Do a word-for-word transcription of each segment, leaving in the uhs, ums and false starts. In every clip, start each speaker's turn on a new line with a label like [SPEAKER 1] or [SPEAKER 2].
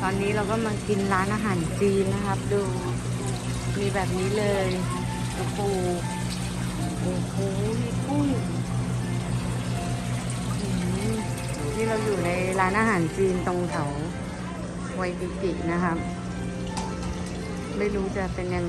[SPEAKER 1] อนนี้เราก็มากินร้านอาหารจีนนะครับ ดูมีแบบนี้เลยโอ้โหโอ้โหมีกุ้งอืมนี่เราอยู่ในร้านอาหารจีนตรงแถวไวกิกินะครับ ไม่รู้จะเป็นยังไง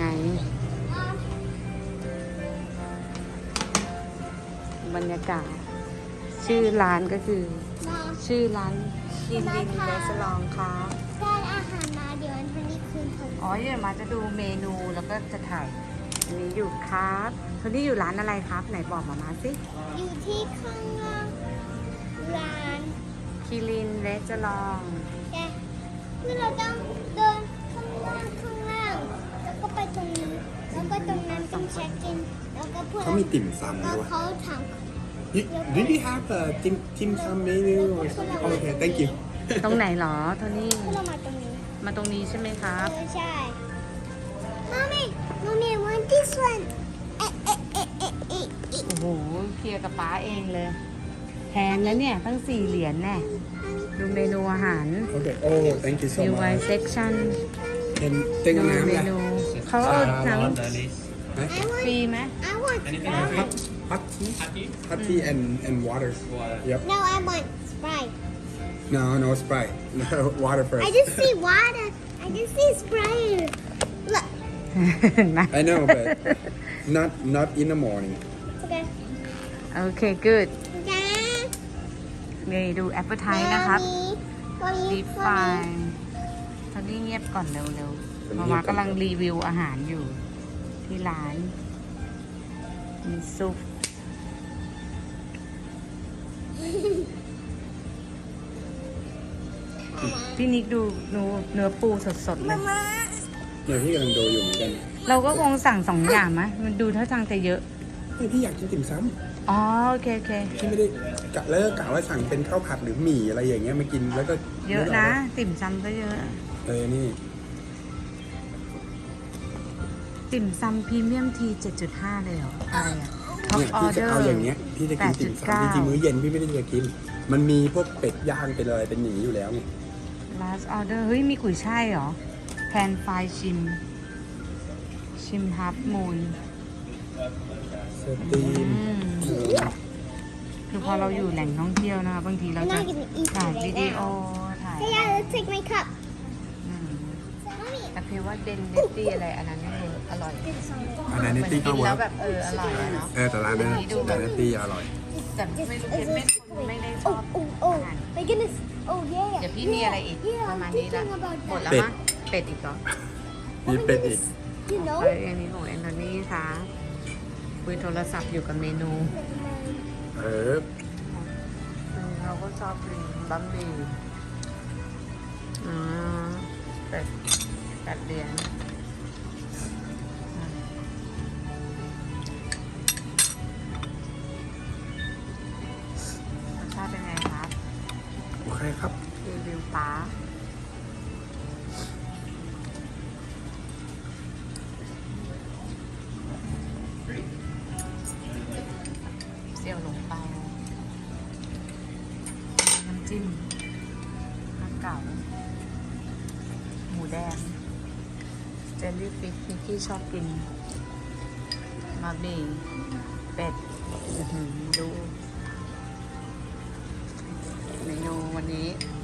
[SPEAKER 1] บรรยากาศชื่อร้านก็คือชื่อร้านคินลินเรสลองครับ
[SPEAKER 2] ได้อาหารมาเดี๋ยววันนี้คืนผม
[SPEAKER 1] อ๋อเดี๋ยวมาจะดูเมนูแล้วก็จะถ่ายอันนี้อยู่ครับคนนี้อยู่ร้านอะไรครับไหนบอกมามาสิ
[SPEAKER 2] อยู่ที่ข้างล่างร้าน
[SPEAKER 1] คิรินเรสลอง
[SPEAKER 2] แกคือเราต้องเดินข้างล่างข้างล่างแล้วก็ไปตรงนี้แล้วก็ตรงนั้นเป็นเช็คอินแล้วก็พวก
[SPEAKER 3] เขามีติ่มซำ
[SPEAKER 2] แล้ว
[SPEAKER 3] ด้วย
[SPEAKER 2] เขาถาม
[SPEAKER 3] You- Do you have a dim dim sum menu? or something? Oh, okay, thank you.
[SPEAKER 1] ตรงไหนหรอโทนี่
[SPEAKER 2] คือเรามาตรงนี้
[SPEAKER 1] มาตรงนี้ใช่ไหมครับ
[SPEAKER 2] เออใช่ Mommy Mommy I want this one เอ๊ะเอ๊ะเอ๊ะเอ๊ะเอ๊ะเอ๊ะ
[SPEAKER 1] โอ้โหเคลียร์กับป้าเองเลยแพงนะเนี่ยตั้งสี่เหรียญแน่ดูเมนูอาหาร
[SPEAKER 3] Okay. Oh, thank you so
[SPEAKER 1] U I
[SPEAKER 3] much.
[SPEAKER 1] section
[SPEAKER 3] เป็นเต็ง
[SPEAKER 1] ดู
[SPEAKER 3] น้ำ
[SPEAKER 1] เม
[SPEAKER 3] เลย
[SPEAKER 1] นูเขาเอาน้
[SPEAKER 3] ฮะ
[SPEAKER 2] I
[SPEAKER 1] ำ
[SPEAKER 2] want
[SPEAKER 1] ฟรีไหม
[SPEAKER 2] I want Sprite
[SPEAKER 3] hot tea hot tea and and water. Yep.
[SPEAKER 2] No I want Sprite
[SPEAKER 3] No, no Sprite. No, water first.
[SPEAKER 2] I just see water I just see Sprite Look
[SPEAKER 1] เห็นไหม
[SPEAKER 3] I know, but not not in the morning.
[SPEAKER 2] Okay
[SPEAKER 1] โอเค good
[SPEAKER 2] จ้า
[SPEAKER 1] นี่ดูแอปเปิลไทนะครับ
[SPEAKER 2] วันนี้
[SPEAKER 1] ดีฟายตอนนี้เงียบก่อนเร็วๆมามากำลังรีวิวอาหารอยู่ที่ร้าน มีซุป พี่นิกดูเนื้อเนื้อปูสดๆเลย
[SPEAKER 3] เดี๋ยวพี่กำลังดูอยู่เหมือนกัน
[SPEAKER 1] เราก็คงสั่งสองอย่างไหมมันดูท่าทางจะเยอะ
[SPEAKER 3] เฮ้ยพี่อยากกินติ่มซ
[SPEAKER 1] อ๋อ โอเคโอเค
[SPEAKER 3] ำพี่ไม่ได้กะแล้วก็กะว่าสั่งเป็นข้าวผัดหรือหมี่อะไรอย่างเงี้ยมากินแล้วก็
[SPEAKER 1] เยอะนะ ติ่มซำก็เยอะ
[SPEAKER 3] เออนี่
[SPEAKER 1] ติ่มซำพรีเมียมที เจ็ดจุดห้า เลยเหรอ อะไรอ่ะท็อป
[SPEAKER 3] เนี่ย
[SPEAKER 1] ออ
[SPEAKER 3] พี่
[SPEAKER 1] เด
[SPEAKER 3] จะ
[SPEAKER 1] อร์
[SPEAKER 3] เอาอย่างเงี้ยพี่จะกินติ่ม
[SPEAKER 1] แปดจุดเก้า
[SPEAKER 3] ซำจริงๆมื้อเย็นพี่ไม่ได้จะกิน มันมีพวกเป็ดย่างเป็นอะไรเป็นหนีอยู่แล้วไง
[SPEAKER 1] last order เฮ้ย มีกุยช่ายเหรอแพนไฟชิม ชิมฮับมูน
[SPEAKER 3] สตรีม
[SPEAKER 1] อืม
[SPEAKER 3] เออ
[SPEAKER 1] คือพอเราอยู่แหล่งท่องเที่ยวนะคะบางทีเราจะถ่ายวิดีโอ ถ่าย
[SPEAKER 2] Hey yeah let's take my cup
[SPEAKER 1] อืม
[SPEAKER 2] Mommy
[SPEAKER 1] แต่เพว่าเดนเนตตี้อะไรอันนั้นนี่คืออร่อย
[SPEAKER 3] อันนั้น
[SPEAKER 1] เห
[SPEAKER 3] นี่
[SPEAKER 1] มือน
[SPEAKER 3] ตี้
[SPEAKER 1] กิ
[SPEAKER 3] ก็
[SPEAKER 1] น
[SPEAKER 3] เวิ
[SPEAKER 1] แล้
[SPEAKER 3] ร์
[SPEAKER 1] ว
[SPEAKER 3] ก
[SPEAKER 1] แบบเอออร่อยอะเนาะ
[SPEAKER 3] เออแต่ร้านนั้นแต่นั้นตี้อร่อย
[SPEAKER 1] แต่ไม่รู้เพชรไม่ไม่ได้ช
[SPEAKER 2] Oh
[SPEAKER 1] อบ
[SPEAKER 2] oh oh my goodness Oh yeah
[SPEAKER 1] เดี๋ยวพี่มีอะไรอีก
[SPEAKER 2] Yeah
[SPEAKER 1] ประมาณ
[SPEAKER 2] I'm
[SPEAKER 1] นี้ละ
[SPEAKER 2] thinking about
[SPEAKER 1] หมด
[SPEAKER 2] that
[SPEAKER 1] แล้วมั้งเป็ดอีกเหรอ
[SPEAKER 3] มีเป็ดอีก
[SPEAKER 2] You know
[SPEAKER 1] เอ้ยอันนี้ของแอนโทนี่ค่ะคุยโทรศัพท์อยู่กับเมนู
[SPEAKER 3] เออ
[SPEAKER 1] อืมเราก็ชอบกินบะหมี่อ่าเป็ดแปดเหรียญอืมรสชาติเป็นไงครับ
[SPEAKER 3] โอเคครับ
[SPEAKER 1] รีวิวป้าเสี่ยวหลงเปาน้ำจิ้มน้ำเก่า หมูแดง เจลลี่ฟิชนิกกี้ชอบกินมาบีเป็ดอื้อหือดู เมนูวันนี้